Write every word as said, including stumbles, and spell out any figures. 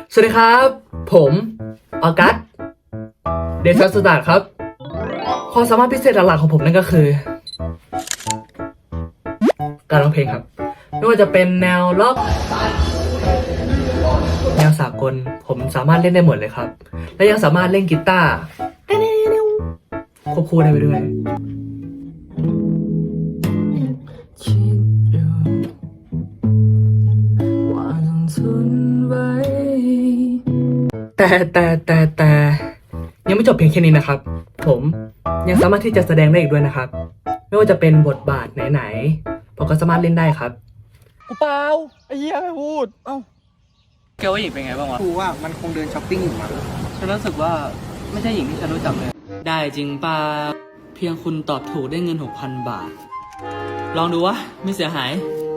สวัสดีครับ ผมออกัสเดชสตาร์ครับความสามารถพิเศษหลักๆของผมนั่นก็คือ การร้องเพลงครับ ไม่ว่าจะเป็นแนวล็อกแนวสากลผมสามารถเล่นได้หมดเลยครับ และยังสามารถเล่นกีตาร์ควบคู่ได้ไปด้วยแต่แต่แต่แต่ยังไม่จบเพียงแค่นี้นะครับ ผมยังสามารถที่จะแสดงได้อีกด้วยนะครับ ไม่ว่าจะเป็นบทบาทไหนๆผมก็สามารถเล่นได้ครับกูเปล่าไอ้เหี้ยไม่พูดเอ้าแกว่าหญิงเป็นไงบ้างวะกูว่ามันคงเดินช้อปปิ้งอยู่มั้งฉันรู้สึกว่าไม่ใช่หญิงที่ฉันรู้จักเลย ได้จริงป่ะเพียงคุณตอบถูกได้เงิน หกพัน บาท ลองดูวะไม่เสียหาย